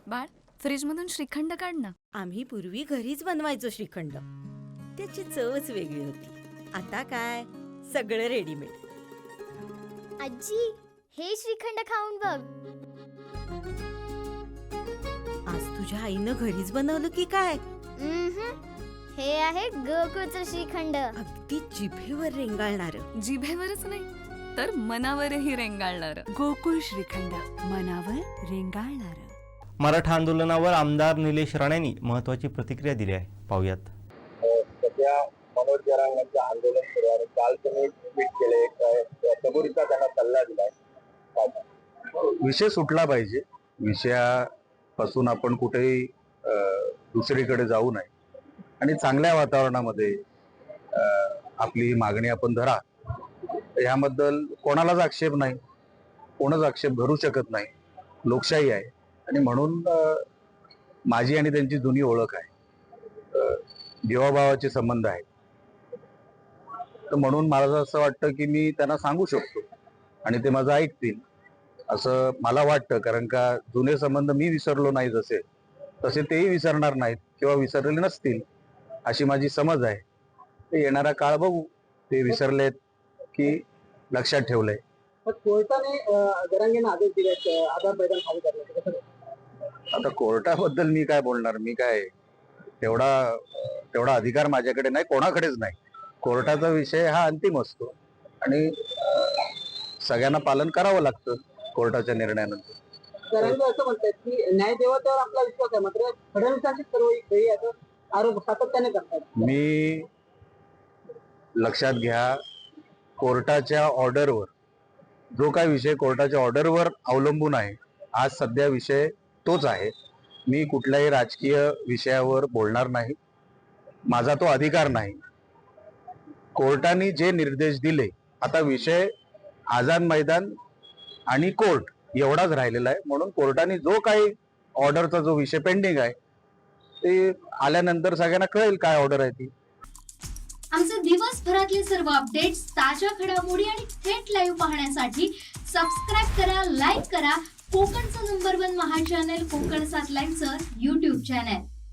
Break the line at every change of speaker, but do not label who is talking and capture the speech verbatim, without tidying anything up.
बाळ, फ्रीजमधून श्रीखंड काढ ना.
आम्ही पूर्वी घरीच बनवायचो श्रीखंड. त्याची चवच वेगळी होती. आता काय सगळं रेडीमेड.
आजी, हे श्रीखंड खाऊन बघ.
आज तुझ्या आईनं घरीच बनवलं की काय?
उम्हम. हे आहे गोकुळचं श्रीखंड.
अगदी जिभेवर रेंगाळणार.
जिभेवरच नाही तर मनावरही रेंगाळणार.
गोकुळ श्रीखंड, मनावर रेंगाळणार.
मराठा आंदोलनावर आमदार निलेश राणेंनी महत्त्वाची प्रतिक्रिया दिली आहे. पाहूयात.
सध्या मनोज जरांगांचं आंदोलन सुरू आहे. काल तुम्ही ट्विट केले, सबुरीचा त्यांना सल्ला दिलाय.
विषय सुटला पाहिजे. विषयापासून आपण कुठेही दुसरीकडे जाऊ नये आणि चांगल्या वातावरणामध्ये आपली मागणी आपण धरा. याबद्दल कोणालाच आक्षेप नाही, कोणच आक्षेप धरू शकत नाही. लोकशाही आहे आणि म्हणून माझी आणि त्यांची जुनी ओळख आहे, जीवाभावाचे संबंध आहेत. तर म्हणून मला असं वाटतं की मी त्यांना सांगू शकतो आणि ते माझं ऐकतील असं मला वाटतं. कारण का जुने संबंध मी विसरलो नाही जसे तसे तेही विसरणार नाहीत किंवा विसरलेले नसतील अशी माझी समज आहे. ते येणारा काळ बघू, ते विसरलेत की लक्षात ठेवलंय.
कोर्टाने जरांगेंना आदेश दिले आधार मैदान खाली करण्याचे.
आता कोर्टाबद्दल मी काय बोलणार? मी काय तेवढा तेवढा अधिकार माझ्याकडे नाही, कोणाकडेच नाही. कोर्टाचा विषय हा अंतिम असतो आणि सगळ्यांना पालन करावं लागतं कोर्टाच्या निर्णयानंतर.
जरांगे असं म्हणतात की न्याय देवतेवर आपला विश्वास आहे, मात्र फडणवीसांची सर्व आरोप सातत्याने करतात.
मी लक्षात घ्या, कोर्टाच्या ऑर्डरवर जो काय विषय कोर्टाच्या ऑर्डरवर अवलंबून आहे, आज सध्या विषय तोच आहे. मी कुठल्याही राजकीय विषयावर बोलणार नाही, माझा तो अधिकार नाही. कोर्टाने जे निर्देश दिले, आता विषय आझाद मैदान आणि कोर्ट एवढाच राहिलेला आहे. म्हणून कोर्टाने जो काही ऑर्डरचा जो विषय पेंडिंग आहे ते आल्यानंतर सगळ्यांना कळेल काय ऑर्डर आहे ती.
आमचे दिवसभरातले सर्व अपडेट्स, ताज्या घडामोडी आणि थेट लाईव्ह पाहण्यासाठी सबस्क्राईब करा, लाईक करा कोकणचं number one Maha channel Kokan सात लाईव्हचं यूट्यूब चॅनल.